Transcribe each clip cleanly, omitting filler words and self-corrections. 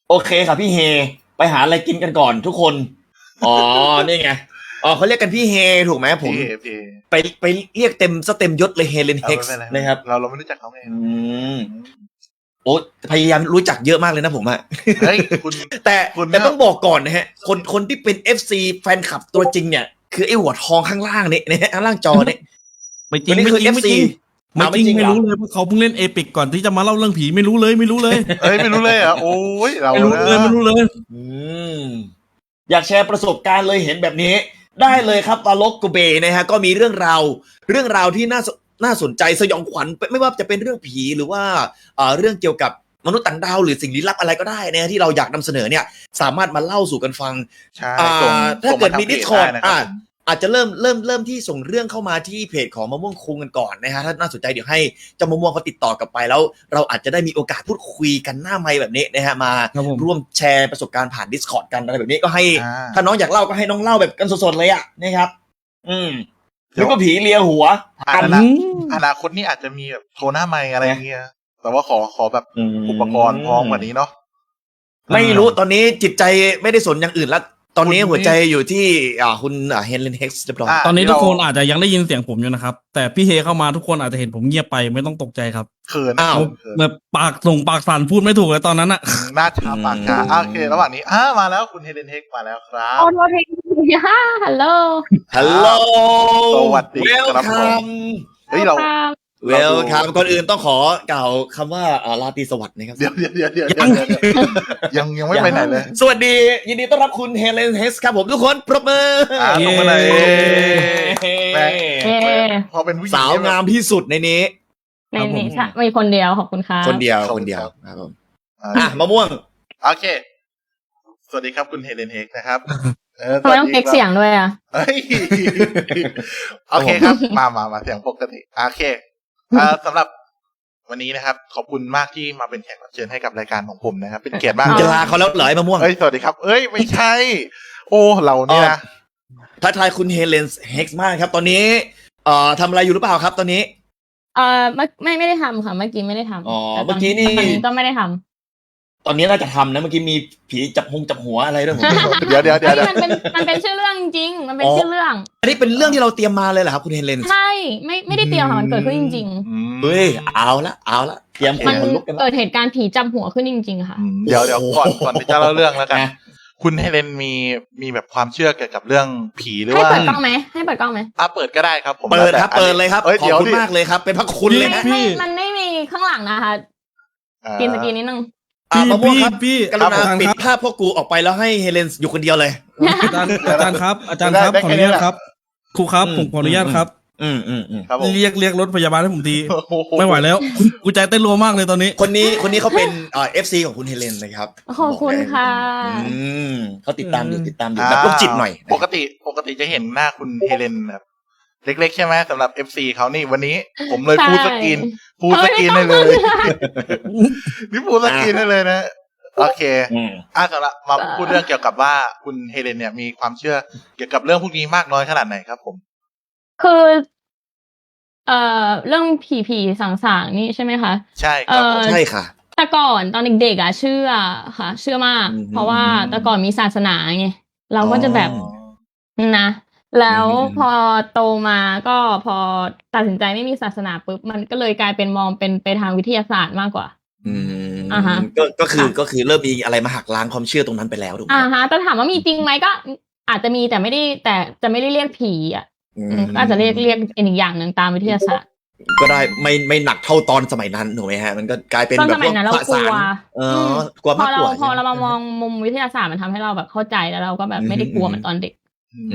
โอเคครับพี่เฮไปหาอะไรกินกันก่อนทุกคนอ๋อนี่ไงอ๋อเขาเรียกกันพี่เฮถูกไหมผมพี่ไปเรียกเต็มยศเลยเฮเลนเฮกไม่ซ์เป็นไรนะครับเราไม่รู้จักเขาไงอืมโอ้พยายามรู้จักเยอะมากเลยนะผมอะเฮ้ยคุณแต่คุณแต่ต้องบอกก่อนนะฮะคนที่เป็น FC แฟนคลับตัวจริงเนี่ยคือไอ้หัวทองข้างล่างนี่นะฮะข้างล่างจอเนี่ยไม่จตัริวงนี้ไม่คือจริงไม่ FC จริงไม่จริงเหไม่รอรู้เลยเพราะเขาเพิ่งเล่นเอพิกก่อนที่จะมาเล่าเรื่องผีไม่รู้เลยเฮ้ยไม่รู้เลยเหรอ่ะโอ้ยเราไม่รู้นะเลยไม่รู้เลยอืมอยากแชร์ประสบการณ์เลยเห็นแบบนี้ ได้เลยครับวาลกโกเบนะฮะก็มีเรื่องราวที่น่าสนใจสยองขวัญไม่ว่าจะเป็นเรื่องผีหรือว่าเรื่องเกี่ยวกับมนุษย์ต่างดาวหรือสิ่งลี้ลับอะไรก็ได้นะที่เราอยากนำเสนอเนี่ยสามารถมาเล่าสู่กันฟังใช่ถ้าเกิดมีส่ง Discord ได้นะครับอาจจะเริ่มที่ส่งเรื่องเข้ามาที่เพจของมะม่วงคุงกันก่อนนะฮะถ้าน่าสนใจเดี๋ยวให้เจ้ามะม่วงเขาติดต่อกลับไปแล้ว เราอาจจะได้มีโอกาสพูดคุยกันหน้าไมค์แบบนี้นะฮะมาครับผมร่วมแชร์ประสบการณ์ผ่าน Discord กันอะไรแบบนี้ก็ให้อ่าถ้าน้องอยากเล่าก็ให้น้องเล่าแบบกันสดๆเลยอ่ะนะครับ หรือก็ผีเลียหัวอนาคตนี่อาจจะมีแบบโทรหน้าไมค์อะไรอย่างเงี้ยแต่ว่าขอแบบอุปกรณ์พร้อมกว่านี้เนาะไม่รู้ตอนนี้จิตใจไม่ได้สนอย่างอื่นแล้วตอนนี้คุณหัวใจอยู่ที่คุณเฮเลนเฮกซ์เรียบร้อยอ่าตอนนี้ทุกคนอาจจะยังได้ยินเสียงผมอยู่นะครับแต่พี่เฮเข้ามาทุกคนอาจจะเห็นผมเงียบไปไม่ต้องตกใจครับเขินอ้าวเขินแบบปากสั่นพูดไม่ถูกเลยตอนนั้นอะหน้าชาปากชาโอเคระหว่างนี้มาแล้วคุณเฮเลนเฮกมาแล้วครับโอ้โหเพลงฮ่าฮัลโหลฮัลโหลสวัสดีเวลครับผคัมมเฮ้ยเราเวลคัมก่อนอื่นต้องขอกล่าวคำว่าราตรีสวัสดิ์นะครับเดี๋ยวยังไม่ไปไหนเลยสวัสดียินดีต้อนรับคุณเฮเลนเฮกซ์ครับผมทุกคนปรบมือลงมาเลยเย้เย้พอเป็นผู้หญิงสาวงามที่สุดในนี้ในนี้ใช่มีคนเดียวขอบคุณครับคนเดียวครับผมมะม่วงโอเค สวัสดีครับคุณเฮเลนเฮกนะครับทำไมต้องเก๊กเสียงด้วยอ่ะเฮ้ยโอเคครับ มาเสียงปกติโอเคสำหรับวันนี้นะครับ ขอบคุณมากที่มาเป็นแขกรับเชิญให้กับรายการของผมนะครับ เป็นเกียรติมากจะลาเขาแล้วเหรอไอ้มะม่วงเอ้ยสวัสดีครับ เอ้ยไม่ใช่ โอ้เราเนี่ยนะทักทายคุณเฮเลนเฮกซ์มากครับ ตอนนี้ทำอะไรอยู่หรือเปล่าครับ ตอนนี้ไม่ได้ทำค่ะเมื่อกี้ไม่ได้ทำอ๋อแต่เมื่อกี้นี่ตอนนี้ก็ไม่ได้ทำตอนนี้น่าจะทำนะเมื่อกี้มีผีจับหัวอะไรด้วยผมเดี๋ยวเฮ้ยมันเป็นชื่อเรื่องจริงๆมันเป็นชื่อเรื่องอันนี้เป็นเรื่องที่เราเตรียมมาเลยเหรอครับคุณเฮเลนใช่ไม่ได้เตรียมค่ะมันเกิดขึ้นจริงเฮ้ยเอาละเตรียมๆ มันขนลุกกันเกิละดเหตุการณ์ผีจับหัวขึ้นจริงๆค่ะเดี๋ยวก่อนที่จะเล่าเรื่องแล้วกันนะคุณเฮเลนมีแบบความเชื่อเกี่ยวกับเรื่องผีหรือให้ว่าเปิดกล้องไหมให้เปิดกล้องไหมเปิดก็ได้ครับผมเปิดครับแล้วแต่เปิดเลยครับอ้ขอบเดี๋ยวคุณมากเลยครับ เป็นพระคุณเลยนะมันไม่มีข้างหลังนะคะกินสกีนิดนึงมะม่วงครับพี่กรุณาอาจารย์ปิดครับภาพพวกกูออกไปแล้วให้เฮเลนอยู่คนเดียวเลยอาจารย์ครับขออนุญาตครับครูครับผมขออนุญาตครับอืมครับผมเรียกรถพยาบาลให้ผมทีโอ้โไม่ไหวแล้วกูใจเต้นรัวมากเลยตอนนี้คนนี้เขาเป็นFC ของคุณเฮเลนนะครับขอบคุณค่ะเขาติดตามอยู่แบบโรคจิตหน่อยปกติจะเห็นหน้าคุณเฮเลนแบบเล็กๆใช่ไหมสำหรับ FC เขานี่วันนี้ผมเลยใช่ฟูลสกรีนให้เลย นี่ฟูลสกรีนให้เลยนะ โอเคสำหรับมาพูดเรื่องเกี่ยวกับว่าคุณเฮเลนเนี่ยมีความเชื่อเกี่ยวกับเรื่องพวกนี้มากน้อยขนาดไหนครับผมคือเรื่องผีสางๆนี่ใช่ไหมคะใช่ครับผมใช่ค่ะแต่ก่อนตอนเด็กๆเชื่อค่ะ เชื่อมาก เพราะว่าแต่ก่อนมีศาสนาไงเราก็จะแบบนะแล้วพอโตมาก็พอตัดสินใจไม่มีศาสนาปุ๊บมันก็เลยกลายเป็นมองเป็นไปทางวิทยาศาสตร์มากกว่า ฮะก็คือเริ่มมีอะไรมาหักล้างความเชื่อตรงนั้นไปแล้วถูกไหมแต่ถามว่ามีจริงไหมก็อาจจะมีแต่จะไม่ได้เรียกผีก็อาจจะเรียกอีกอย่างหนึ่งตามวิทยาศาสตร์ก็ได้ไม่หนักเท่าตอนสมัยนั้นถูกไหมฮะมันก็กลายเป็นตอนแบสบมัยนั้นเรากลัวกลัวมากกว่าพอเรามามองมุมวิทยาศาสตร์มันทำให้เราแบบเข้าใจแล้วเราก็แบบไม่ได้กลัวเหมือนตอนเด็ก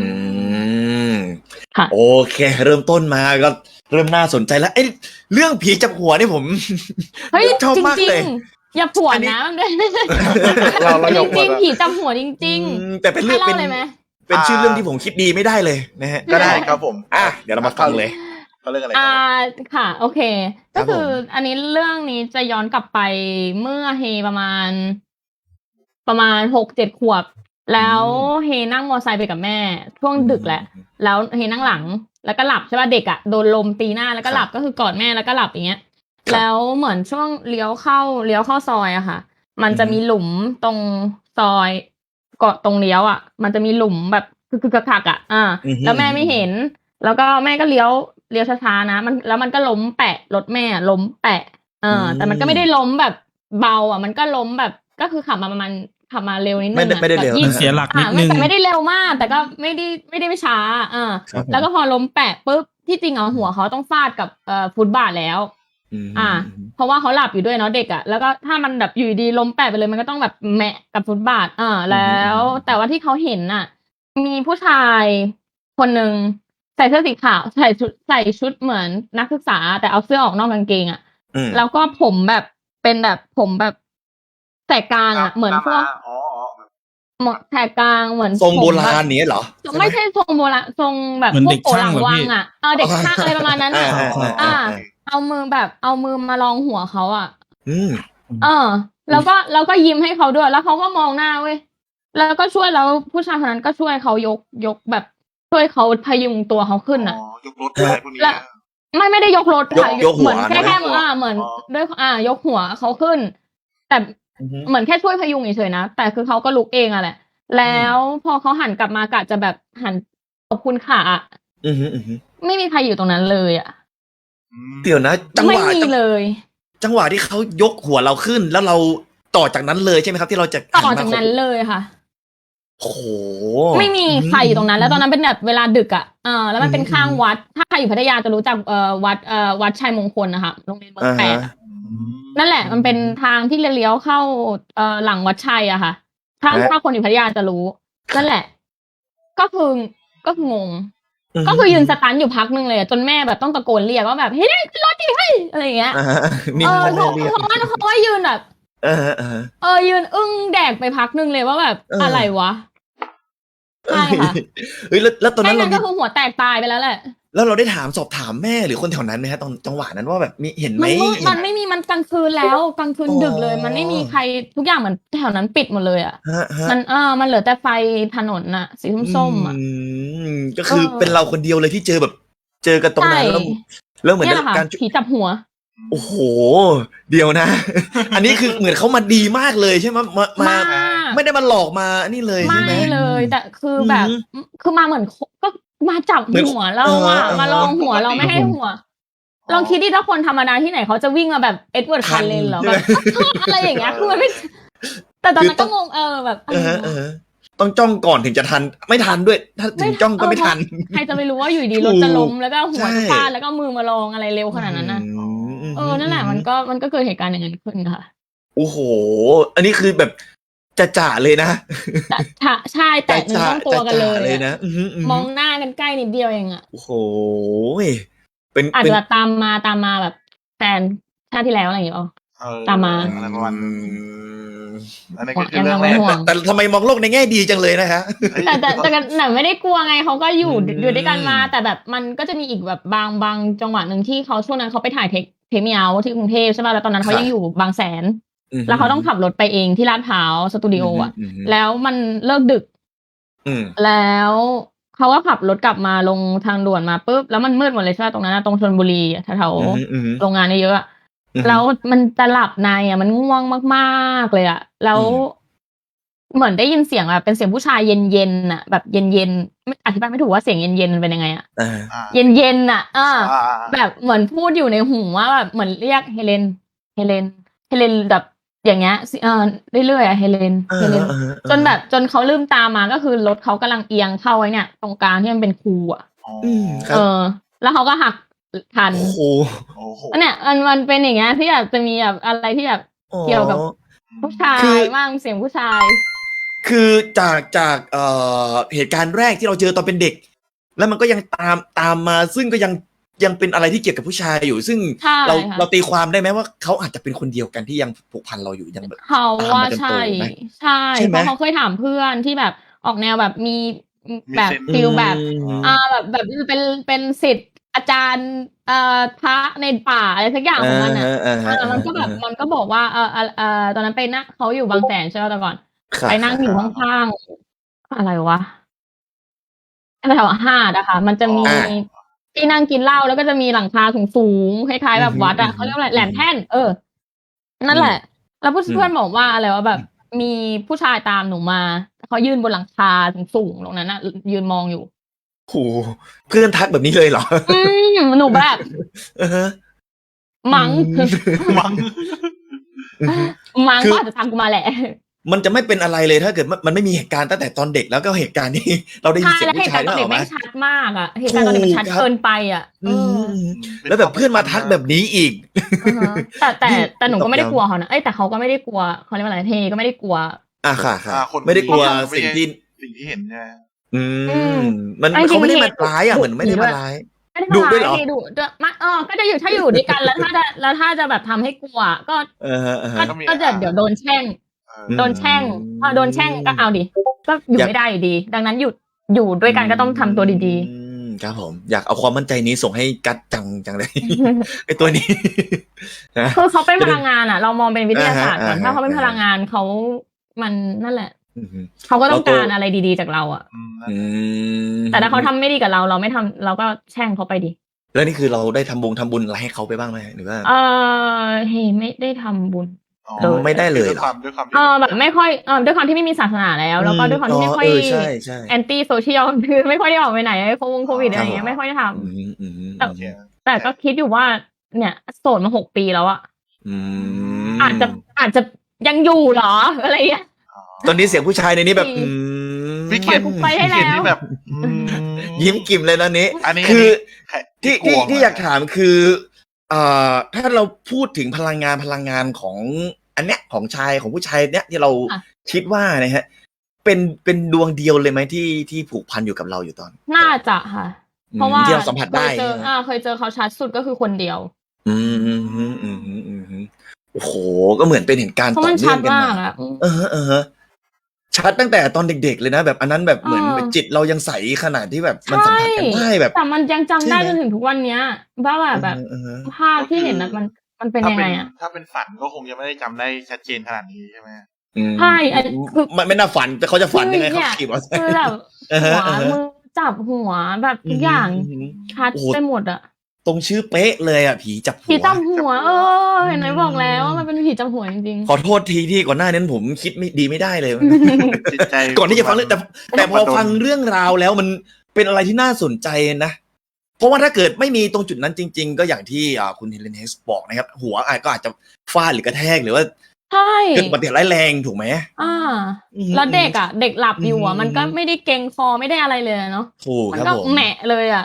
ค่ะโอเค เริ่มต้นมาก็เริ่มน่าสนใจแล้วเรื่องผีจับหัวนี่ผมเฮ้ยชอบจริงมากจริเลงยอย่าผวนนะมันด้วยเราจยกริงๆผีจำหัวจริงแต่เป็นๆเรื่ให้องเล่าเลยไหมเป็นชื่อเรื่องที่ผมคิดดีไม่ได้เลยนะฮะก็ได้ครับผมเดี๋ยวเรามาฟังเลยเขาเรื่องอะไรครับค่ะ โอเคครัก็บคือผมอันนี้เรื่องนี้จะย้อนกลับไปเมื่อเฮประมาณ 6-7 ขวบ แล้วเฮนั่งมอไซค์ไปกับแม่ช่วงดึกแหละ แล้วเฮนั่งหลังแล้วก็หลับใช่ป่ะเด็กโดนลมตีหน้าแล้วก็หลับก็คือกอดแม่แล้วก็หลับอย่างเงี้ย แล้วเหมือนช่วงเลี้ยวเข้าซอยอะค่ะมันจะมีหลุมตรงซอยเกาะตรงเลี้ยวอ่ะ มันจะมีหลุมแบบคือคักๆอ่ะแล้วแม่ไม่เห็น แล้วก็แม่ก็เลี้ยวช้าๆนะแล้วมันก็ล้มแปะรถแม่ล้มแปะแต่มันก็ไม่ได้ล้มแบบเบาอ่ะมันก็ล้มแบบก็คือขับมาเร็วนิดนึงไม่ได้เร็วมันเสียหลักนิดนึงไม่ได้เร็วมาก แต่ก็ไม่ได้ไม่ช้าครับผมแล้วก็พอล้มแปะปุ๊บที่จริงหัวเขาต้องฟาดกับฟุตบาทแล้ว เพราะว่าเขาหลับอยู่ด้วยเนาะเด็กอ่ะแล้วก็ถ้ามันแบบอยู่ดีล้มแปะไปเลยมันก็ต้องแบบแมะกับฟุตบาทแล้วแต่ว่าที่เขาเห็นน่ะ มีผู้ชายคนหนึ่งใส่เสื้อสีขาวใส่ชุดเหมือนนักศึกษาแต่เอาเสื้อออกนอกกางเกงอ่ะแล้วก็ผมแบบเป็นแบบผมแบบแสกกลางอ่ะเหมือนพวกแสกกลางเหมือนทรงโบราณนี้เหรอไม่ใช่ทรงโบราณทรงแบบพวกโกหลังวังอ่ะเด็กช่างอะไรประมาณนั้นเอามือมาลองหัวเขาอ่ะแล้วก็ยิ้มให้เขาด้วยแล้วเขาก็มองหน้าเว้ยแล้วก็ช่วยแล้วผู้ชายคนนั้นก็ช่วยเขายกแบบช่วยเขาพยุงตัวเขาขึ้นอ่ะยกรถอะไรพวกนี้ไม่ได้ยกรถค่ะยกหัวเหมือนแค่เหมือนด้วยยกหัวเขาขึ้น แต่เหมือนแค่ช่วยพยุงเฉยๆนะแต่คือเขาก็ลุกเองอะแหละแล้วพอเขาหันกลับมากะจะแบบหันขอบคุณค่ะไม่มีใครอยู่ตรงนั้นเลยอ่ะเดี๋ยวนะจังหไม่วะมีเลยจังหวะที่เขายกหัวเราขึ้น แล้วเราต่อจากนั้นเลยใช่ไหมครับที่เราจะต่อจากนั้นเลยค่ะโอ้โหไม่มีใครอยู่ตรงนั้น แล้วตอนนั้นเป็นแบบเวลาดึกอ่ะแล้วมันเป็นข้างวัดถ้าใครอยู่พัทยาจะรู้จักวัดชัยมงคลนะคะโรงเรียนเมืองแปดนั่นแหละมันเป็นทางที่เลี้ยวเข้าหลังวัดชัยอะค่ะถ้าคนอยู่พัทยาจะรู้นั่นแหละ ก็คืองงก็คือยืนสตันอยู่พักนึงเลยจนแม่แบบต้องตะโกนเรียกว่าแบบเฮ้ยขึ้นรถดิเฮ้ยอะไรอย่างเงี้ยเพราะว่ายืนแบบยืนอึ้งแดกไปพักนึงเลยว่าแบบอะไรวะใช่ค่ะเฮ้ยแล้วตอนนั้นเราก็คือหัวแตกตายไปแล้วแหละแล้วเราได้สอบถามแม่หรือคนแถวนั้นไหมฮะตอนจังหวะนั้นว่าแบบมีเห็นไหมมันไม่มีมันกลางคืนแล้วกลางคืนดึกเลยมันไม่มีใครทุกอย่างเหมือนแถวนั้นปิดหมดเลยอ่ะมันเหลือแต่ไฟถนนน่ะสีส้มๆอ่ะก็คือเป็นเราคนเดียวเลยที่เจอแบบเจอกันตรงนั้นแล้วเหมือนการผีจับหัวโอ้โหเดียวนะ อันนี้คือเหมือนเขามาดีมากเลยใช่ไหมมาไม่ได้มาหลอกมานี่เลยใช่ไหมไม่เลยแต่คือแบบคือมาเหมือนก็มาจับหัวเรามาลองหัวเราไม่ให้หัวลองคิดดิถ้าคนธรรมดาที่ไหนเขาจะวิ่งมาแบบเอ็ดเวิร์ดคันเลนหรอแบบอะไรอย่างเงี้ยคือมันไม่แต่ตอนนั้นก็งงแบบต้องจ้องก่อนถึงจะทันไม่ทันด้วยถ้าถึงจ้องก็ไม่ทันใครจะไปรู้ว่าอยู่ดีรถจะล้มแล้วก็หัวฟาดแล้วก็มือมาลองอะไรเร็วขนาดนั้นนะนั่นแหละมันก็เกิดเหตุการณ์อย่างนั้นขึ้นค่ะโอ้โหอันนี้คือแบบจ่าเลยนะใช่แต่เนื้อต้องตัวกันเลยนะมองหน้ากันใกล้นิดเดียวเองอ่ะโอ้โหอาจจะตามมาแบบแฟนชาติที่แล้วอะไรอย่างเงี้ยตามมาอะไรประมาณอันนี้ก็คือเรื่องแรกแต่ทำไมมองโลกในแง่ดีจังเลยนะฮะแต่กันหนังไม่ได้กลัวไงเขาก็อยู่ด้วยกันมาแต่แบบมันก็จะมีอีกแบบบางจังหวะหนึ่งที่เขาช่วงนั้นเขาไปถ่ายเทคเมียวที่กรุงเทพใช่ป่ะแล้วตอนนั้นเขายังอยู่บางแสนแล้วเขาต้องขับรถไปเองที่ลาดพร้าวสตูดิโออ่ะแล้วมันเลิกดึกแล้วเขาก็ขับรถกลับมาลงทางด่วนมาปุ๊บแล้วมันมืดหมดเลยใช่ป่ะตรงนั้นตรงชลบุรีแถวโรงงานเยอะแล้วมันจะหลับในอ่ะมันง่วงมากๆเลยอ่ะแล้วเหมือนได้ยินเสียงแบบเป็นเสียงผู้ชายเย็นๆอ่ะแบบเย็นๆอธิบายไม่ถูกว่าเสียงเย็นๆมันเป็นยังไงอ่ะเย็นๆอ่ะแบบเหมือนพูดอยู่ในหูว่าแบบเหมือนเรียกเฮเลนแบบอย่างเงี้ยเรื่อยๆอ่ะเฮเลนจนเขาลืมตามาก็คือรถเขากำลังเอียงเข้าไว้เนี่ยตรงกลางที่มันเป็นคูอ่ะแล้วเขาก็หักทันเนี่ยมันเป็นอย่างเงี้ยที่แบบจะมีแบบอะไรที่แบบเกี่ยวกับผู้ชายมากเสียงผู้ชายคือจากเหตุการณ์แรกที่เราเจอตอนเป็นเด็กแล้วมันก็ยังตามมาซึ่งก็ยังเป็นอะไรที่เกี่ยวกับผู้ชายอยู่ซึ่งเราตีความได้ไหมว่าเขาอาจจะเป็นคนเดียวกันที่ยังผูกพันเราอยู่ยังแบบเขาว่าใช่เพราะเขาเคยถามเพื่อนที่แบบออกแนวแบบมีแบบฟิลแบบแบบเป็นศิษย์อาจารย์พระในป่าอะไรสักอย่างของมันมันก็แบบมันก็บอกว่าตอนนั้นไปนั่งเขาอยู่บางแสนใช่ไหมแต่ก่อนไปนั่งอยู่ข้างๆอะไรวะแถวหาดนะคะมันจะมีที่นั่งกินเหล้าแล้วก็จะมีหลังคาสูงๆคล้ายๆแบบวัดอ่ะเขาเรียกว่าอะไรแหลมแท่นนั่นแหละแล้วเพื่อนบอกว่าอะไรว่าแบบมีผู้ชายตามหนูมาเขายืนบนหลังคาสูงๆตรงนั้นน่ะยืนมองอยู่โหเพื่อนทักแบบนี้เลยเหรอหนูแบบเออฮะมั้งมั้งมั้งคือก็อาจจะตามกูมาแหละมันจะไม่เป็นอะไรเลยถ้าเกิดมันไม่มีเหตุการณ์ตั้งแต่ตอนเด็กแล้วก็เหตุการณ์ที่ เราได้ยินใช่เสียงแล้วเหผู้ตุชาการยณ์ตนึอนกอเด็อก กไหมไม่ชัดมากอ่ะเหตุการณ์ตอนเด็กมันชัดถูกครับเกินไปอ่ะอืมแล้วแบบเพื่อนมาทักแบบนี้อีกแต่หนูก็ไม่ได้กลัวเขานะแต่เขาก็ไม่ได้กลัวเขาเรียกว่าอะไรเทก็ไม่ได้กลัวอ่ะค่ะค่ะอ่าคนไม่ได้กลัวไม่สิ่งใช่ที่สิ่งที่เห็นใช่ไหมอืมมันจริงๆเขาไม่ได้มาเห็นร้ายอ่ะเหมือนไม่ได้มาร้ายไม่ได้ดุทำด้วยเหรร้าอยดุมาก็จะอยู่ถ้าอยู่ด้วยกันแล้วถ้าจะแบบทำให้กลัวก็ ก็จะเดี๋ยวโดนแช่ง โดนแช่งโดนแช่งก็เอาดิก็อยู่ไม่ได้อยู่ดี ดังนั้นอยู่ด้วยกันก็ต้องทำตัวดีๆครับผมอยากเอาความมั่นใจนี้ส่งให้กัดจังเลย ไอตัวนี้ นะๆคือเขาเป็นพลังงานอ่ะ เรามองเป็นวิทยาศาสตร์ก่อนอ่าฮะถ้าเขาเป็นพลังงานเขามันนั่นแหละอืมเขาก็ต้องเราโตการอะไรดีๆจากเราอ่ะอืมแต่ถ้าเขาทำไม่ดีกับเราไม่ทำเราก็แช่งเขาไปดิแล้วนี่คือเราได้ทำบุญอะไรให้เขาไปบ้างไหมหรือว่าเฮ้ไม่ได้ทำบุญไม่ได้เลยเหรอด้วยความแบบไม่ค่อยด้วยความที่ไม่มีศาสนาแล้วก็ด้วยความที่ไม่ค่อยใช่ใช่แอนตี้โซเชียลคือไม่ค่อยได้ออกไปไหนโควิดอะไรอย่างเงี้ยไม่ค่อยได้ทอืมแต่ แต่ก็คิดอยู่ว่า เนี่ยโสดมา6 ปีแล้วอะ อาจจะยังอยู่เหรออะไรอย่างเงี้ยตอนนี้เสียงผู้ชายในนี้แบบพี่ปเขล่อยตกูไปได้แล้วนี่แบบยิ้มกิ่มเลยตอนนี้อันนี้คือใครที่อยากถามคือถ้าเราพูดถึงพลังงานของอันเนี้ยของผู้ชายเนี้ยที่เราอ่ะคิดว่านะฮะเป็นดวงเดียวเลยไหมที่ผูกพันอยู่กับเราอยู่ตอนน่าจะค่ะ เพราะว่าที่เราสัมผัสได้เคยเจอเขาชัดสุดก็คือคนเดียวอืมโอ้โหก็เหมือนเป็นเหตุการณ์เพราะต่อมันเนื่ชัอดงกันมากมาอะชัดตั้งแต่ตอนเด็กๆเลยนะแบบอันนั้นแบบเหมือนเออจิตเรายังใสขนาดที่แบบมันสัมผัสกันได้แบบแต่มันยังจำได้ใช่จไหมนถึงทุกวันเนี้ยว่าแบบ ภาพที่เห็นนะมันเป็นยังไงอะถ้าเป็นฝันก็คงจะไม่ได้จำได้ชัดเจนขนาดนี้ใช่ไหมใช่คือมันไม่น่าฝันแต่เขาจะฝันยังไงเขาขี่มอเตอร์ไซค์คือแบบหัวมือจับหัวแบบทุกอย่างชัดโอ้โหไปหมดอะตรงชื่อเป๊ะเลยอ่ะผีจับหัผีวจับหัวเห็นไหมบอกแล้วว่ามันเป็นผีจับหัวจริงขอโทษทีที่ก่อนหน้านั้นผมคิดไม่ดีไม่ได้เลยจิตใจก่อนที่จะฟังเรื่องแต่พอฟังเรื่องราวแล้วมันเป็นอะไรที่น่าสนใจนะเพราะว่าถ้าเกิดไม่มีตรงจุดนั้นจริง ๆ ก็อย่างที่คุณเฮเลนเฮสบอกนะครับ หัวก็อาจจะฟาดหรือกระแทกหรือว่าๆใช่เกิดอุบัติเหตุร้ายแรงถูกไหมแล้วเด็กเด็กหลับอยู่มันก็ไม่ได้เกรงคอไม่ได้อะไรเลยเนาะถูกมัครับก็ผมแหมะเลยอ่ะ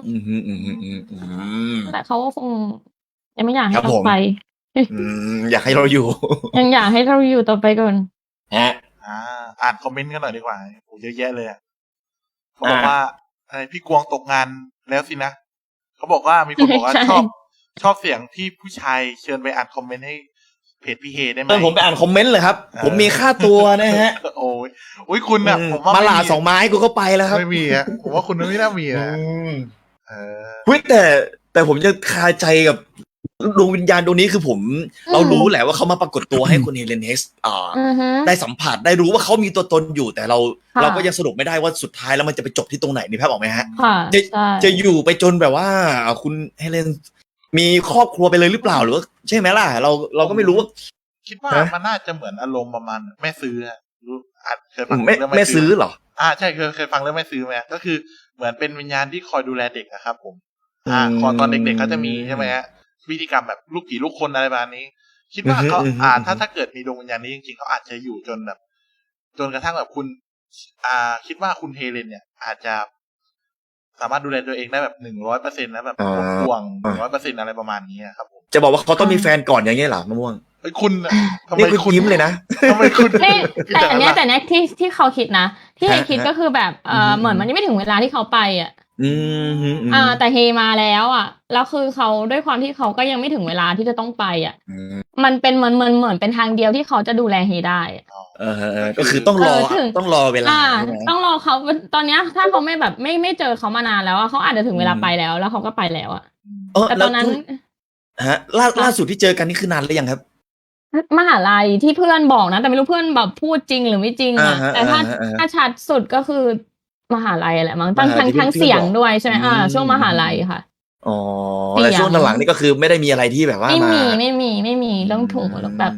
แต่เขาก็คงยังไม่อยากให้ครับเราผมไปอยากให้เราอยู่ยังอยากให้เราอยู่ต่อไปก่อนฮะอ่านคอมเมนต์กันหน่อยดีกว่าโหเยอะแยะเลยอะเขาบอกว่าอะไรพี่กวงตกงานแล้วสินะเขาบอกว่ามีคนบอกว่าใช่ชอบเสียงที่ผู้ชายเชิญไปอ่านคอมเมนต์ให้เพจพี่เฮได้ไหมผมไปอ่านคอมเมนต์เลยครับ ผมมีค่าตัวนะฮะโอ้ยคุณน่ะผมว่ามาหลาไ 2 ไม้กูก็ไปแล้วครับไม่มีอะผมว่าคุณไม่น่ามีนะเฮ้ยแต่ผมจะคาใจกับดวงวิญญาณดวงนี้คือเรารู้แหละว่าเขามาปรากฏตัวให้คุณเฮเลนเฮสได้สัมผัสได้รู้ว่าเขามีตัวตนอยู่แต่เราก็ยังสรุปไม่ได้ว่าสุดท้ายแล้วมันจะไปจบที่ตรงไหนนี่ภาพออกไหมฮะค่ะใช่จะอยู่ไปจนแบบว่าคุณเฮเลนมีครอบครัวไปเลยหรือเปล่าหรือว่าใช่ไหมล่ะเราก็ไม่รู้ว่าคิดว่ามันน่าจะเหมือนอารมณ์ประมาณแม่ซื้อรู้เคยฟังไม่เรื่องไม่ซื้อเหรอใช่เคยฟังเรื่องแม่ซื้อไหมก็คือเหมือนเป็นวิญญาณที่คอยดูแลเด็กนะครับผมคอยตอนเด็กๆเขาจะมีใช่ไหมฮะพิธีกรรมแบบลูกผีลูกคนอะไรประมาณนี้ คิดว่าเขาถ้าเกิดมีดวงวิญญาณนี้จริงๆเขาอาจจะอยู่จนแบบจนกระทั่งแบบคุณคิดว่าคุณเฮเลนเนี่ยอาจจะสามารถดูแลตัวเองได้แบบ100%แล้วแบบห่วง100%อะไรประมาณนี้ครับผมจะบอกว่าเขาต้องมีแฟนก่อนอย่างเงี้ยเหรอมะม่วงคุณทำไมนี่คุณยิ้มเลยนะทำไมคุณแต่เนี้ยที่เขาคิดนะที่เฮคิดก็คือแบบเหมือนมันยังไม่ถึงเวลาที่เขาไปอ่ะแต่เฮมาแล้วอ่ะแล้วคือเขาด้วยความที่เขาก็ยังไม่ถึงเวลาที่จะต้องไปอ่ะมันเป็นเหมือนเป็นทางเดียวที่เขาจะดูแลเฮได้ก็คือต้องรอเวลาต้องรอเขาตอนเนี้ยถ้าเขาไม่แบบไม่เจอเขามานานแล้วเขาอาจจะถึงเวลาไปแล้วเขาก็ไปแล้วอ่ะแต่ตอนนั้นฮะล่าสุดที่เจอกันนี่คือนานหรือยังครับมหาลัยที่เพื่อนบอกนะแต่ไม่รู้เพื่อนแบบพูดจริงหรือไม่จริงอ่ะแต่ถ้าชัดสุดก็คือมหาลัยแหละมั้งทั้งเสียงด้วยใช่ไหมช่วงมหาลัยค่ะอ๋อแต่ช่วงหลังนี่ก็คือไม่ได้มีอะไรที่แบบว่าไม่มีเรื่องถูกแบบ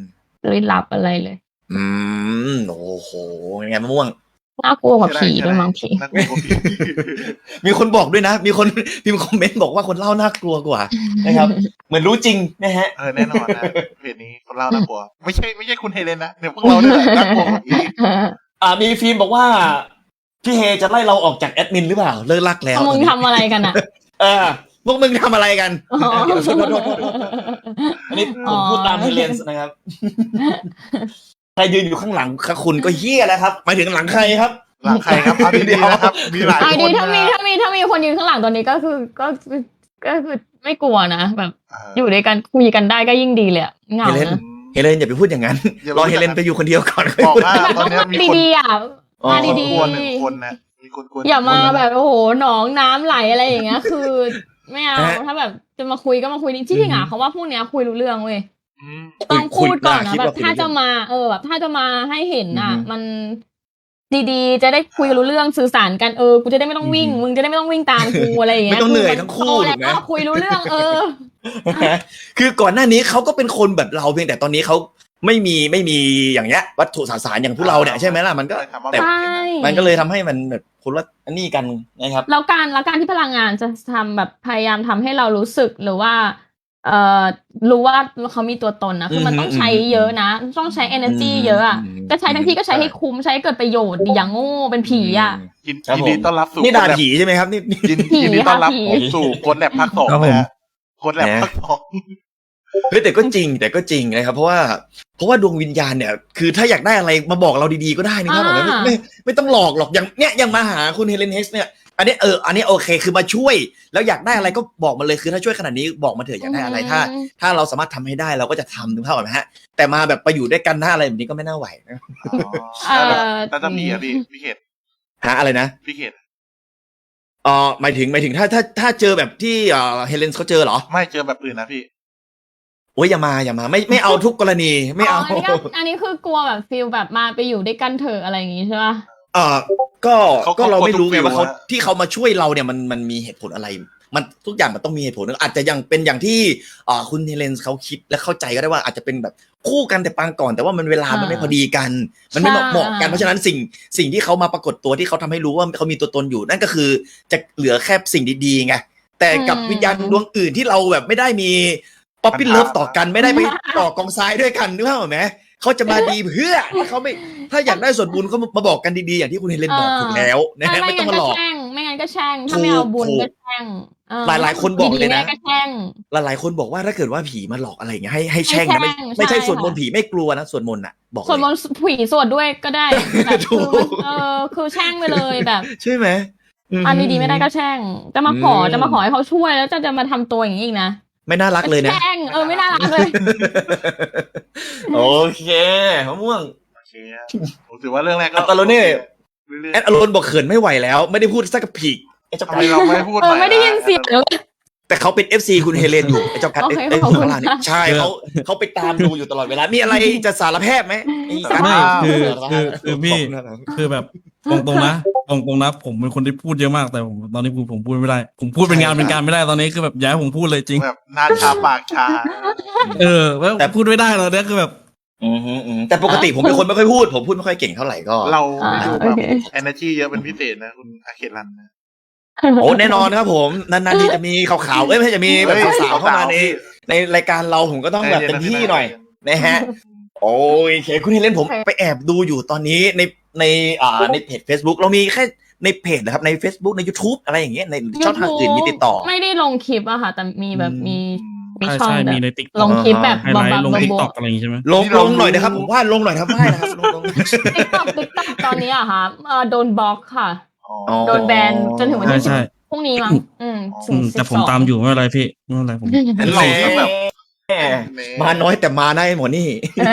ลึกลับอะไรเลยโอ้โหยังไงมะม่วงน่ากลัวกว่าผีด้วยมั้งผีน่ากลัวกว่าผีมีคนบอกด้วยนะ มีคนพิมพ์คอมเมนต์บอกว่าคนเล่าน่ากลัวกว่านะครับ เหมือนรู้จริงนะฮะแน่นอนนะเพจนี้คนเล่าน่ากลัวไม่ใช่คุณเฮเลนนะเดี๋ยวพวกเราเนี่ยแหละน่ากลัวกว่าผีมีฟิล์มบอกว่าพี่เฮจะไล่เราออกจากแอดมินหรือเปล่าเลิกลักแล้วมึงทำอะไรกันอ่ะพวกมึงทำอะไรกันอ๋อโทษอันนี้ผมพูดตามเฮเลนส์นะครับ ใครยืนอยู่ข้างหลังคุณก็เฮี้ยแล้วครับหมายถึงหลังใครครับหลังใครครับเอาดีๆนะครับมีหลายไอ้คดีนถ้ามีคนยืนข้างหลังตอนนี้ก็คือไม่กลัวนะแบบ อยู่ด้วยกันคุยกันได้ก็ยิ่งดีเลยอะเหงาเฮเลนนะเฮเลนอย่าไปพูดอย่างนั้น รอเฮเลนไปอยู่คนเดียวก่อนบอกว่าตอนนี้มีคนดีๆอ่ะอ๋อมาคนดีกลัวหนึ่งคนนะมีคนกลัวๆอย่ามาแบบโอ้โหหนองน้ำไหลอะไรอย่างเงี้ย คือไม่เอาถ้าแบบจะมาคุยก็มาคุยจริงๆอ่ะเขาว่าพวกเนี้ยคุยรู้เรื่องเว้ยอืมต้องพูดก่อนนะคิดแบว่าบถ้าจะมาแบบถ้าจะมาให้เห็นอ่ะอือฮึมันดีๆจะได้คุยรู้เรื่องสื่อสารกันกูจะได้ไม่ต้องวิ่ง มึงจะได้ไม่ต้องวิ่งตามกูอะไรอย่างเงี้ยไม่ต้องเหนื่อยทั้งคู่โตถูแล้กไหมวคุยรู้เรื่องคือก่อนหน้านี้เขาก็เป็นคนแบบเราเพียงแต่ตอนนี้เขาไม่มีอย่างเงี้ย วัตถุสสารอย่างพวกเราเนี่ยใช่ไหมล่ะมันก็แต่ใช่มันก็เลยทำให้มันแบบคนละอันนี้กันนะครับแล้วการที่พลังงานจะทำแบบพยายามทำให้เรารู้สึกหรือว่ารู้ว่าเขามีตัวตนนะคือมันต้องใช้เยอะนะต้องใช้ energy เยอะอ่ะก็ใช้ทั้งที่ก็ใช้ให้คุ้มใช้ให้เกิดประโยชน์อย่างโง่เป็นผีอ่ะยินครับผมดีต้อนรับสู่นี่ด่าโค้ดแลบผีใช่ไหมครับนี่ยินดีต้อนรับผีสู่โค้ดแลบภาคสองครับผมนะฮะโค้ดแลบภาคสองเฮ้ยแต่ก็จริงนะครับเพราะว่าดวงวิญญาณเนี่ยคือถ้าอยากได้อะไรมาบอกเราดีๆก็ได้นะครับผมไม่ต้องหลอกหรอกอย่างมาหาคุณเฮเลนเฮกเนี่ยอันนี้โอเคคือมาช่วยแล้วอยากได้อะไรก็บอกมาเลยคือถ้าช่วยขนาดนี้บอกมาเถอะอยากได้อะไรถ้าเราสามารถทำให้ได้เราก็จะทำถึงเท่าไหร่ฮะแต่มาแบบไปอยู่ด้วยกันหน้าอะไรแบบนี้ก็ไม่น่าไหวนะแล้วจะมีอ่ะพี่เขตหาอะไรนะพี่เขตหมายถึงถ้าเจอแบบที่เฮเลนเขาเจอเหรอไม่เจอแบบอื่นนะพี่โอ้ยอย่ามาไม่เอาทุกกรณีไม่เอาอันนี้คือกลัวแบบฟีลแบบมาไปอยู่ด้วยกันเถอะอะไรอย่างงี้ใช่ป่ะก็เราไม่รู้ไงว่าเขาเขาที่เขามาช่วยเราเนี่ยมันมีเหตุผลอะไร มันทุกอย่างมันต้องมีเหตุผลอาจจะยังเป็นอย่างที่คุณเฮเลนเขาคิดและเข้าใจก็ได้ว่าอาจจะเป็นแบบคู่กันแต่ปางก่อนแต่ว่ามันเวลามันไม่พอดีกัน มันไม่เหมาะกันเพราะฉะนั้นสิ่งที่เขามาปรากฏตัวที่เขาทำให้รู้ว่าเขามีตัวตนอยู่นั่นก็คือจะเหลือแค่สิ่งดีๆไงแต่กับวิญญาณดวงอื่นที่เราแบบไม่ได้มีป๊อปปี้เลิฟต่อกันไม่ได้ไปต่อกองทรายด้วยกันนึกภาพออกไหมเขาจะมาดีเพื่อถ้าอยากได้ส่วนบุญเขามาบอกกันดีๆอย่างที่คุณเฮเลนบอกถูกแล้วนะฮะไม่ต้องมาหลอกไม่งั้นก็แช่งถ้าไม่เอาบุญก็แช่งหลายๆคนบอกเลยนะก็แช่งหลายๆคนบอกว่าถ้าเกิดว่าผีมาหลอกอะไรอย่างเงี้ยให้แช่งนะไม่ใช่สวดมนต์ผีไม่กลัวนะสวดมนต์อ่ะบอกเลยสวดมนต์ผีสวดด้วยก็ได้แบบคือแช่งไปเลยแบบใช่ไหมอันดีๆไม่ได้ก็แช่งจะมาขอให้เขาช่วยแล้วจะมาทำตัวอย่างนี้อีกนะไม่น่ารักเลยนะแช่งไม่น่ารักเลยโอเคมะม่วงโอเคผมถือว่าเรื่องแรกก็ตอนนี้เรื่อยแอดอารอนบอกเขินไม่ไหวแล้วไม่ได้พูดสักกระผีไอ้เจ้าๆทำกัไมดเราไม่พูดไม่ได้ยินเสียงเลยแต่เขาเป็น FC คุณเฮเลนอยู่ไอ้เจ้ากัดโอเคไอ้ขอบคุณข้างล่างนี่ใช่เขาไปตามดูอยู่ตลอดเวลามีอะไรจะสารแพทย์ไหมไม่คือพี่คือแบบตรงๆนะผมเป็นคนที่พูดเยอะมากแต่ตอนนี้ผมพูดไม่ได้ผมพูดเป็นงานเป็นการไม่ได้ตอนนี้คือแบบย้ายผมพูดเลยจริงแบบหน้าชาปากชาแล้วแต่พูดไม่ได้ตอนนี้คือแบบแต่ปกติผมเป็นคนไม่ค่อยพูดผมพูดไม่ค่อยเก่งเท่าไหร่ก็เราดูแบบ energy เยอะเป็นพิเศษนะคุณอาเครันนะโอ้แน่นอนครับผมนานๆทีจะมีข่าวๆไม่ใช่จะมีแบบสาวๆเข้ามาในรายการเราผมก็ต้องแบบเต็มที่หน่อยนะฮะโอเคคุณเฮเลนผมไปแอบดูอยู่ตอนนี้ในเพจ Facebook เรามีแค่ในเพจนะครับใน Facebook ใน YouTube อะไรอย่างเงี้ยในช่องทางอื่นมีติดต่อไม่ได้ลงคลิปอะค่ะแต่มีแบบมีช่องใช่มีในติ๊กลงคลิปแบบไฮไลท์ลงบติ๊กบต็อกอะไรอย่างงี้ใช่ไหมลงหน่อยนะครับผมว่าลงหน่อยครับได้นะครับลงติ๊กต็อกตอนนี้อะค่ะโดนบล็อกค่ะ โดนแบนจนถึงวันที่ใช่พรุ่งนี้มั้งถึงแต่ผมตามอยู่ไม่เป็นไรพี่ไม่เป็นไรผมเราก็แบบมาน้อยแต่มาได้หมดนี่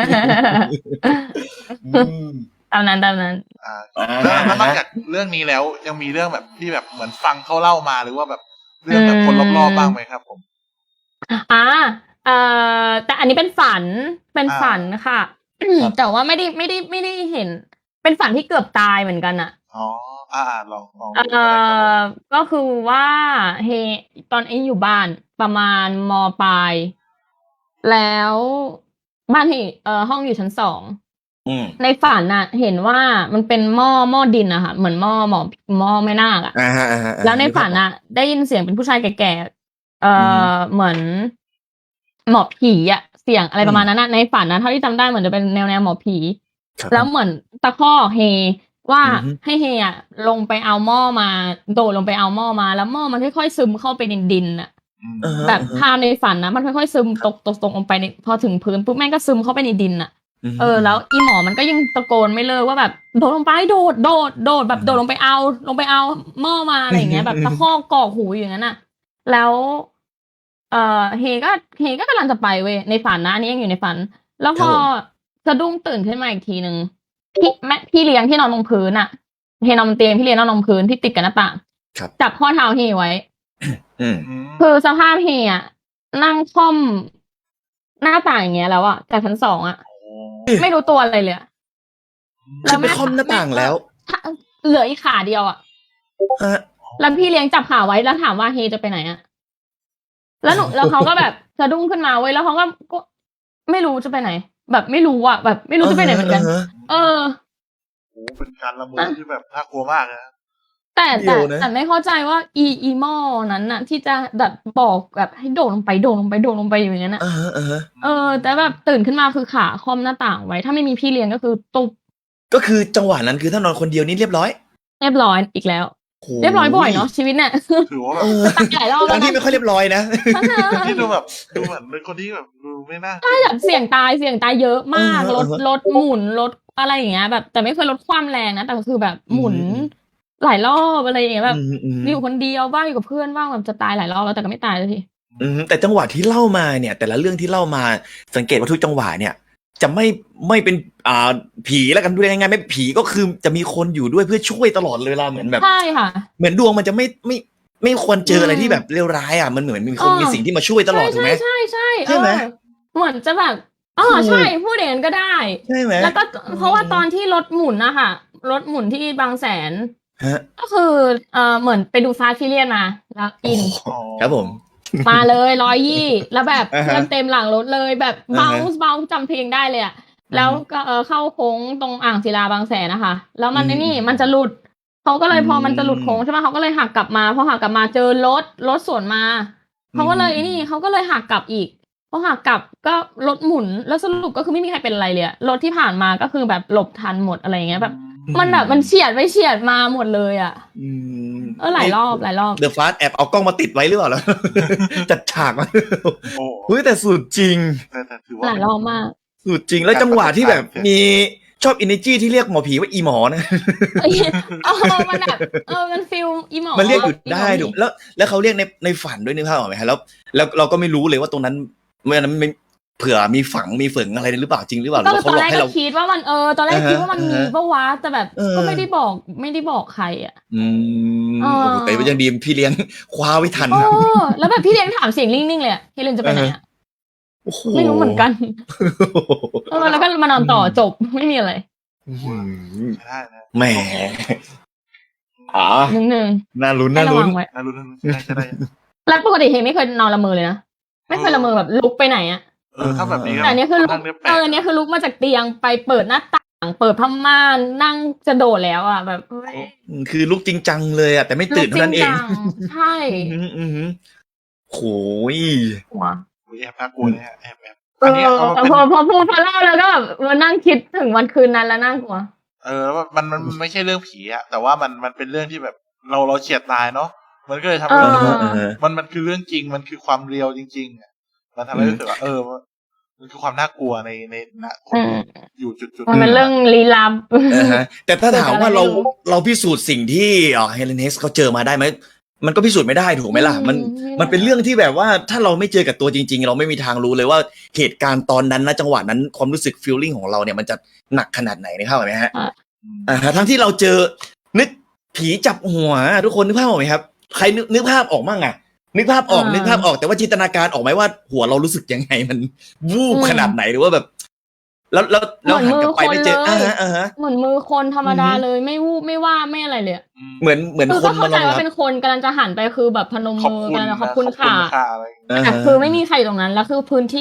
ตามนั้นแล้วนอกจากเรื่องนี้แล้วยังมีเรื่องแบบที่แบบเหมือนฟังเขาเล่ามาหรือว่าแบบเรื่องแบบคนรอบๆบ้างไหมครับผมแต่อันนี้เป็นฝันค่ะ แต่ว่าไม่ได้เห็น เป็นฝันที่เกือบตายเหมือนกันอะอ๋อลองก็คือว่าตอนอยู่บ้านประมาณม.ปลายแล้วบ้านที่ห้องอยู่ชั้น2 อืมในฝันน่ะ เห็นว่ามันเป็นหม้อดินอะค่ะเหมือนหม้อแม่นาคอะอ่าฮะอ่าฮะแล้วในฝันกภาพออกน่ะ ได้ยินเสียงเป็นผู้ชายแก่ๆอือฮึเหมือนหมอผีอะเสียงอะไรอืมประมาณนั้นน่ะในฝันนะเท่าที่จำได้เหมือนจะเป็นแนวหมอผีครับแล้วเหมือนตะคอกเฮว่าอือฮึให้เฮอะลงไปเอาหม้อมาโดดลงไปเอาหม้อมาแล้วหม้อมันค่อยๆซึมเข้าไปในดินน่ะอ่าฮะแบบอ่าฮะภาพในฝันนะมันค่อยๆซึมตกลงไปในพอถึงพื้นปุ๊บแม่งก็ซึมเข้าไปในดินน่ะอืมแล้วอีหมอมันก็ยังตะโกนไม่เลิกว่าแบบโดดลงไปโดดแบบโดดลงไปเอาหม้อมาอะไรอย่างเงี้ย แบบตะคอกกอกหูอย่างนั้นน่ะ แล้วเฮก็กำลังจะไปเว้ยในฝันนะอันนี้ยังอยู่ในฝัน แล้วพอสะดุ้งตื่นขึ้นมาอีกทีนึงพี่เลี้ยงที่นอนลงพื้นอ่ะเฮนอนบนเตียงพี่เลี้ยงนอนลงพื้นที่ติดกับหน้าต่างครับจับข้อเท้าเฮไว้อืมคือสภาพเฮอ่ะนั่งค่อมหน้าต่างอย่างเงี้ยแล้วอ่ะจากชั้น2อ่ะ ไม่รู้ตัวอะไรเลยอะคือไปค่อมหน้าต่างแล้วเหลืออีกขาเดียวอ่ะฮะแล้วพี่เลี้ยงจับขาไว้แล้วถามว่าเฮจะไปไหนอ่ะ แล้วเขาก็แบบสะดุ้งขึ้นมาเว้ยแล้วเขาก็ไม่รู้จะไปไหน แบบไม่รู้อ่ะแบบไม่รู้จะไปไหนเหมือนกัน เออโอ้เป็นการละเมอที่แบบน่ากลัวมากนะแต่ไม่เข้าใจว่าอีหม้อนั้นน่ะ ที่จะแบบบอกแบบให้โดดลงไปอยู่อย่างนั้นน่ะอ่าฮะอ่าฮะแต่แบบตื่นขึ้นมาคือขาค่อมหน้าต่างไว้ ถ้าไม่มีพี่เลี้ยงก็คือตุบก็คือจังหวะนั้นคือถ้านอนคนเดียวนี่เรียบร้อยเรียบร้อยอีกแล้วโเรียบร้อยบ่อยเนาะชีวิตเนี่ยถือว่าแบบเออตายหลายรอบตแล้อนวที่นะไม่ค่อยเรียบร้อยนะที่ดูแบบดูเหมือนเป็นคนที่แบบดูไม่น่าใช่แบบเสี่ยงตายเยอะมากเออรถหมุนรถอะไรอย่างเงี้ย แบบแต่ไม่เคยลดความแรงนะแต่ก็คือแบบหมุนอืมหลายรอบอะไรอย่างเงี้ยแบบอืมอยู่คนเดียวบ้างอยู่กับเพื่อนบ้างแบบจะตายหลายรอบแล้วแต่ก็ไม่ตายสักทีแต่จังหวะที่เล่ามาเนี่ย แต่ละเรื่องที่เล่ามาสังเกตว่าทุกจังหวะเนี่ย จะไม่เป็นผีแล้วกันดูยังไงไม่ผีก็คือจะมีคนอยู่ด้วยเพื่อช่วยตลอดเลยเวลาเหมือนแบบใช่ค่ะเหมือนดวงมันจะไม่ควรเจออะไรที่แบบเลวร้ายอ่ะมันเหมือนมีคนมีสิ่งที่มาช่วยตลอดถูกไหมใช่ใช่ไหมเหมือนจะแบบใช่พูดอย่างนั้นก็ได้ใช่ไหมแล้วก็เพราะว่าตอนที่รถหมุนนะคะรถหมุนที่บางแสนฮะก็คือเหมือนไปดูฟาสต์ฟิเลียนมาแล้วอินครับผมมาเลย120แล้วแบบอ่าฮะเพื่อนเต็มหลังรถเลยแบบอ่าเบาฮะจำเพลงได้เลยอะแล้วก็เข้าโค้งตรงอ่างศิลาบางแสนนะคะ แล้วมันอืมนี่มันจะหลุดเขาก็เลยพอมันจะหลุดอืมโค้งใช่ไหมเขาก็เลยหักกลับมาพอหักกลับมาเจอรถสวนมาเขาก็เลยนี่เขาก็เลยหักกลับอีกพอหักกลับก็รถหมุนแล้วสรุปก็คือไม่มีใครเป็นอะไรเลยอะรถที่ผ่านมาก็คือแบบหลบทันหมดอะไรอย่างเงี้ยแบบ มันแบบมันเฉียดไปเฉียดมาหมดเลยอะอืมหลายรอบเดอะฟาสแอบเอากล้องมาติดไว้หรือเปล่าแล้ว จัดฉากมาโอ้เฮ้ยแต่สุดจริงแต่ถือว่าหลายรอบมากสุดจริงแล้วจังหวะที่แบบมีชอบอินเนจีที่เรียกหมอผีว่าอีหมอนะมันแบบมันฟิลอีหมอมันเรียกอยู่ได้อีหมอถูกแล้วเขาเรียกในฝันด้วยนึกภาพออกไหมฮะแล้วเราก็ไม่รู้เลยว่าตรงนั้นเมื่อนั้นไม่เผื่อมีฝังมีฝึงอะไรหรือเปล่าจริงหรือเปล่าหรือว่าตเขาอนหลแรอกกให้ก็เราคิดว่ามันตอนแรกคิดว่ามันมีปะวะแต่แบบ ก็ไม่ได้บอกใครอ่ะโอ้โหแต่ยังดีพี่เลี้ยงคว้าไว้ทันแล้วแบบพี่เลี้ยงถามเสียงนิ่งๆเลยเฮเลนจะไปไหนอ่ะโอ้โหไม่รู้เหมือนกันแล้วก็มานอนต่อจบไม่มีอะไรได้นะแหมนึงน่าลุ้นให้น่าน่ระลุ้วัน งไว้ารุ้นได้แล้วปกติเฮไม่เคยนอนละเมอเลยนะไม่เคยละเมอแบบลุกไปไหนอ่ะถ้าแบบนี้แต่อันนี้คือลุก อันนี้คือลุกมาจากเตียงไปเปิดหน้าต่างเปิดผ้าม่านนั่งจะโดดแล้วอ่ะแบบคือลุกจริงจังเลยอ่ะแต่ไม่ตื่นเท่านั้นเองใช่โหยหัวแอบน่ากลัวเนี่ยแอบอันนี้เอาแต่เป็นพอพูดพอเล่าแล้วก็แบบมานั่งคิดถึงวันคืนนั้นแล้วน่ากลัวมันไม่ใช่เรื่องผีอะแต่ว่ามันเป็นเรื่องที่แบบเราเฉียดตายเนาะมันก็เลยทำให้เรามันคือเรื่องจริงมันคือความเรียวจริงๆอะมันทำให้รู้สึกว่ามันคือความน่ากลัวในคนอยู่จุดมันเป็นเรื่องลี้ลับแต่ถ้าถามว่าเราพิสูจน์สิ่งที่เฮเลนเฮสเขาเจอมาได้ไหมมันก็พิสูจน์ไม่ได้ถูกไหมล่ะมันเป็นเรื่องที่แบบว่าถ้าเราไม่เจอกับตัวจริงๆเราไม่มีทางรู้เลยว่าเหตุการณ์ตอนนั้นนะจังหวะนั้นความรู้สึกฟีลลิ่งของเราเนี่ยมันจะหนักขนาดไหนนะครับเห็นไหมฮะทั้งที่เราเจอนึกผีจับหัวทุกคนนึกภาพออกไหมครับใครนึกภาพออกมั่งอะนึกภาพออกแต่ว่าจินตนาการออกไหมว่าหัวเรารู้สึกยังไงมันวูบขนาดไหนหรือว่าแบบแล้วหันกลับไปไม่เจอเหมือนมือคนธรรมดาเลยไม่วูบไม่ว่าไม่อะไรเลยเหมือนคนเข้าใจว่าเป็นคนกำลังจะหันไปคือแบบพนมมือกันขอบคุณค่ะแต่คือไม่มีใครตรงนั้นแล้วคือพื้นที่ก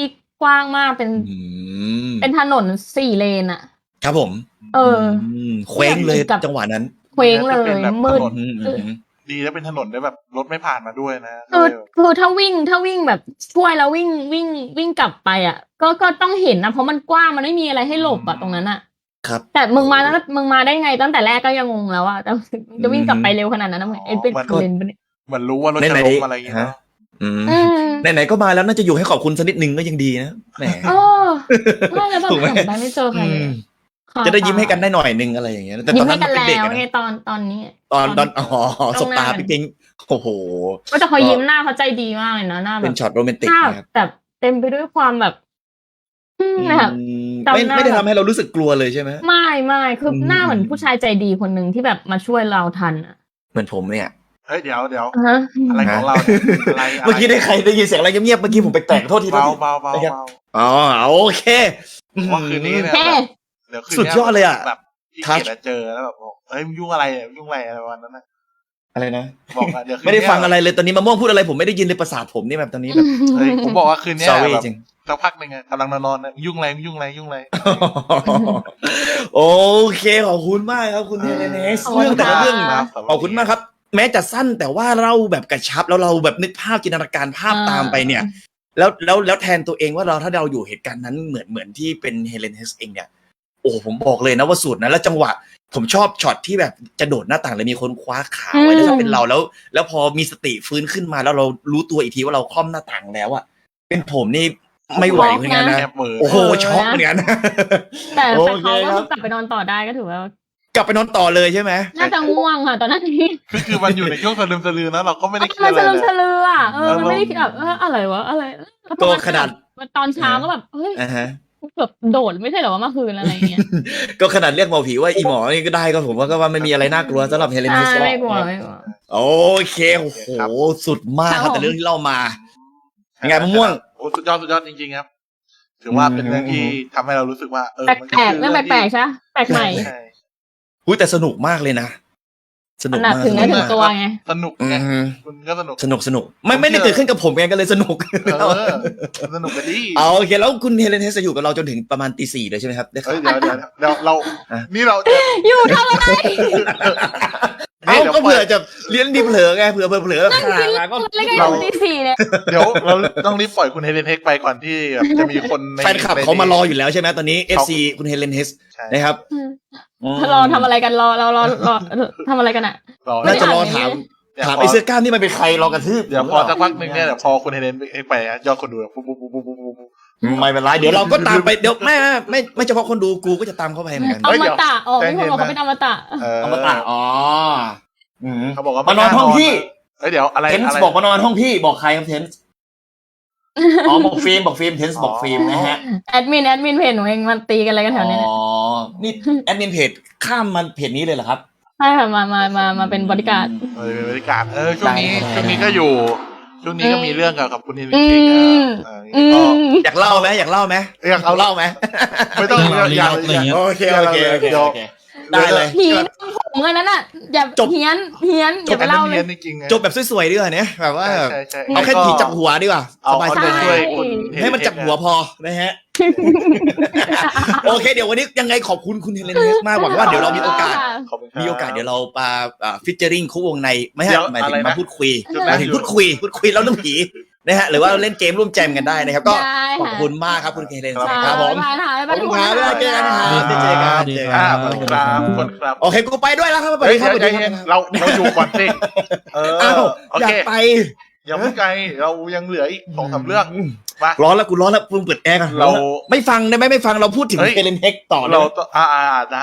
กว้างมากเป็นอืมเป็นถนน4 เลนอะครับผมเออเคว้งเลยกับจังหวะนั้นเคว้งเลยแบบมืดถนนอืมดีแล้วเป็นถนนได้แบบรถไม่ผ่านมาด้วยนะคือถ้าวิ่งแบบช่วยแล้ววิ่งกลับไปอ่ะ ก็ต้องเห็นนะเพราะมันกว้างมันไม่มีอะไรให้หลบอ่ะตรงนั้นอ่ะครับแต่มึงมาได้ไงตั้งแต่แรกก็ยังงงแล้วอ่ะแต่จะวิ่งกลับไปเร็วขนาดนั้นนะมึงเป็นเลนปะเนี่ยเหมือนรู้ว่ารถจะไหนล้มๆอะไรอย่างเงี้ยฮะเนาะอืมอืมไหนๆก็มาแล้วน่าจะอยู่ให้ขอบคุณสักนิดนึงก็ยังดีนะแหมเออไม่แล้วแบบถูกไหมหันไปไม่เจอใครเลยอืมค่ะจะได้ยิ้มให้กันได้หน่อยนึงอะไรอย่างเงี้ยแต่ตยิ้อมนให้นั้นกันเป็นแล้เด็กวอะไงนะตอนนี้ตอนสบตาพี่ปิงโอ้โหก็แต่เขายิ้มหน้าเขาใจดีมากเลยนะหน้าแบเป็บนช็อตโรแมนติหกน้านะครับแบบเต็มไปด้วยความแบบแบบอืมจำหน้าไม่ได้ทำให้เรารู้สึกกลัวเลยใช่ไหมไม่คือหน้าเหมือนผู้ชายใจดีคนหนึ่งที่แบบมาช่วยเราทันอ่ะเหมือนผมเนี่ยเฮ้ยเดี๋ยวฮะอะไรของเราเนี่ยอะไรเมื่อกี้ได้ใครได้ยินเสียงอะไรเงียบๆเมื่อกี้ผมแปลกๆโทษทีเบาโทษทีเบาเบานะครับเบาอ๋อโอเคว่าคืนนี้เนี่ยแค่เดี๋ยวคืนสุดนี้ยอดเลยอะแบบพี่เกดอะเจอแล้วแบบบอกเฮ้ยมึงยุ่งอะไรอะยุ่งอะไรอะไรวันนั้นนะอะไรนะบอกอะเดี๋ยวคืนไม่นี้ได้ฟังอะไรเลยตอนนี้มะม่วงพูดอะไรผมไม่ได้ยินเลยประสาทผมนี่แบบตอนนี้แบบเฮ้ยผมบอกว่าคืนนี้ sorry แบบจริงสักพักหนึ่งอะกำลังนอนๆนะยุ่งอะไรยุ่งอะไรยุ่งอะไรโอเคขอบคุณมากครับคุณเฮเลเนสขอบคุณเรื่องแต่ละเรื่องค่ะขอบคุณมากครับ แม้จะสั้นแต่ว่าเราแบบกระชับแล้วเราแบบนึกภาพจินตนาการภาพตามไปเนี่ย แล้วแทนตัวเองว่าถ้าเราอยู่เหตุการณ์นั้นเหมือนที่เป็นเฮเลนเฮสเองเนี่ยโอ้ผมบอกเลยนะว่าสุดนะแล้วจังหวะผมชอบช็อตที่แบบจะโดดหน้าต่างเลยมีคนคว้าขาไว้แล้วถ้าเป็นเราแล้วพอมีสติฟื้นขึ้นมาแล้วเรารู้ตัวอีกทีว่าเราคล่อมหน้าต่างแล้วอะเป็นผมนี่ไม่ไหวเหมือนกันนะแอบเหมือโอ้โหช็อกเหมือนกันแต่โอเขาเคก็ครับคือกลับไปนอนต่อได้ก็ถือว่ากลับไปนอนต่อเลยใช่ไหมน่าจะง่วงค่ะตอนนั้นนี้คือมันอยู่ในช่วงสลืมสลือนะเราก็ไม่ได้คิดมันอะไรสลืมเลยสลืออ่ะมันไม่ได้คิดแบบอะไรวะอะไรแล้วพอก็ขนาดตอนเช้าก็แบบเฮ้ยอ่าฮะแบบโดดไม่ใช่เหรอว่าเมื่อคืนอะไรเงี้ยก็ขนาดเรียกหมอผีว่าอีหมอนี่ก็ได้ก็ผมว่าก็ว่าไม่มีอะไรน่ากลัวสำหรับเฮเลนใช่นิสไม่กลัวไม่กลัวโอเคโอ้โหสุดมากคครัรับบผมแต่เรื่องที่เล่ามายังไงมะม่วงโอ้สุดยอดจริงๆครับ ถือว่าเป็นเรื่องที่ทำให้เรารู้สึกว่ามันแปลกๆเรื่องแปลกๆใช่ปะแปลกใหม่ใช่อุ้ยแต่สนุกมากเลยนะสนุกหนักมากถึงสได้นุกถึงมากตัวไงสนุกอืไงมคุณก็สนุกสนุกไม่ได้เกิดขึ้นกับผมไงก็เลยสนุกสนุกกันดีเอาโอเคแล้วคุณเฮเลนเฮสจะอยู่กับเราจนถึงประมาณตี 4เลยใช่ไหมครับได้ครัเฮ้บยเดี๋ยวเราอ่ะนี่เราจะอยู่ทำอะไรเอาก็เผื่อจะเลี้ยงดีเผลอไงเผื่อเผลอขามาก็แล้วก็อยู่ตี 4เนี่ยเดี๋ยวเราต้องรีบปล่อยคุณเฮเลนเทคไปก่อนที่แบบจะมีคนในแฟนคลับเขามารออยู่แล้วใช่ไหมตอนนี้ FC คุณเฮเลนเฮสใช่นะครับรอทำอะไรกันรอทำอะไรกันอ่ะรอน่าจะรอไม่ได้อ่านถามไอ้เสื้อกล้ามนี่มันเป็นใครรอกระทืบเดี๋ยวพอสักพักหนึ่งเนี่ยเดี๋ยวพอคุณเฮเลนเทคไปยอดคนดูปุ๊บไม่เป็นไรเดี๋ยวเราก็ตามไปเดี๋ยวไม่เฉพาะคนดูกูก็จะตามเข้าไปเหมือนกันอมตะอ๋อมีคนบอกเขาเป็นอมตะอมตะอ๋อเขาบอกว่ามานอนห้องพี่เดี๋ยวอะไรเทนส์บอกมานอนห้องพี่บอกใครครับเทนส์อ๋อบอกฟิล์มเทนส์บอกฟิล์มนะฮะแอดมินเพจหนูเองมันตีกันอะไรกันแถวนี้เนี่ยอ๋อนี่แอดมินเพจข้ามมาเพจนี้เลยเหรอครับใช่ค่ะมาเป็นบริการดบริการช่วงนี้ก็อยู่ช่วงนี้ก็มีเรื่องกับคุณเฮเลนอืเทคมอยากเล่าไหมอยากเล่าไหมอยากเอาเล่าไหมไม่ต้องอย่าอะไรอย่างเงี้ยโอเคได้เลยผีผมเงินนั้นอ่ะอย่าจบเฮี้ยนอย่าไปเล่าเลยจริงๆจบแบบสวยๆดีกว่าเนี่ยแบบว่าใช่เอาแค่ผีจับหัวดีกว่าสบายเอาใจไปช่วยคุณให้มันจับหัวพอนะฮะ โอเคเดี๋ยววันนี้ยังไงขอบคุณคุณเฮเลนเฮสมากหวังว่าเดี๋ยวเรามีโอกาสขอบคุณครับมีโอกาสเดี๋ยวเรามาฟิชเจอริงคู่วงในไม่ใช่เดี๋ยวหมายถึอะไรงนะมาพูดคุยจุดหนั้มาน ยถึงพูดคุยแล้วเรื่องผีนะฮะหรือว่าเล่นเกมร่วมแจมกันได้นะครับก็ได้ขอบค่ะคุณมากครับคุณเฮเลนครับครับผมบ๊ายบายขอบคุณครับบ๊ายบายเจอกันนะครับเจอกันดีเจอคกัรันบขอบคุณครับขอบคุณครับโอเคกูไปด้วยแล้วครับสวัสเฮ้ดียครับสวัสดีใจคเย็นรับเราอยู่ก่อนสิอ้าวโออยาเคกไปอย่าเพิ่งไกลเรายังเหลืออีก2-3เรื่องมาร้อนแล้วกูร้อนแล้วมึงเปิดแอร์กันเราไม่ฟังได้ไหมไม่ฟังเราพูดถึงเฮ้ยเฮเลนเฮกต่อเลเรายต้องได้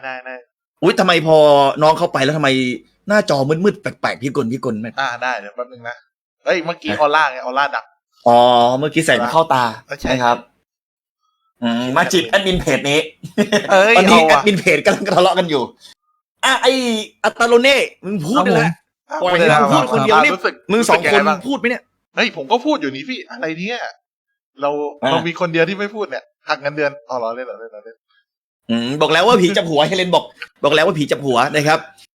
อุ้ยทำไมพอน้องเข้าไปแล้วทำไมหน้าจอมืดๆแปลกๆพี่กลไหมได้เดี๋ยวแป๊บนึงนะเฮ้ยเมื่อกี้ออร่าไงออร่าดับอ๋อเมื่อกี้ใส่มาเข้าตาใช่ใช่ครับมาจีบแอดมินเพจนี้เอ้ยตอนนี้เอาแออะดมินเพจกำลังทะเลาะกันอยู่ไออัตตาโลเน่มึงพูดเลยนะปล่อยให้มึงพูดคนเดียวนี่รู้สึกมึงสองคนรู้สึกยัไบ้าพูดไหมเนี่ยเฮ้ยผมก็พูดอยู่นี่พี่อะไรเนี่ยเรามีคนเดียวที่ไม่พูดเนี่ยหักเงินเดือนอ๋อเหรอเล่นบอกแล้วว่าผีจับหัวเฮเลนบอกแล้วว่าผีจับหัวนะครับ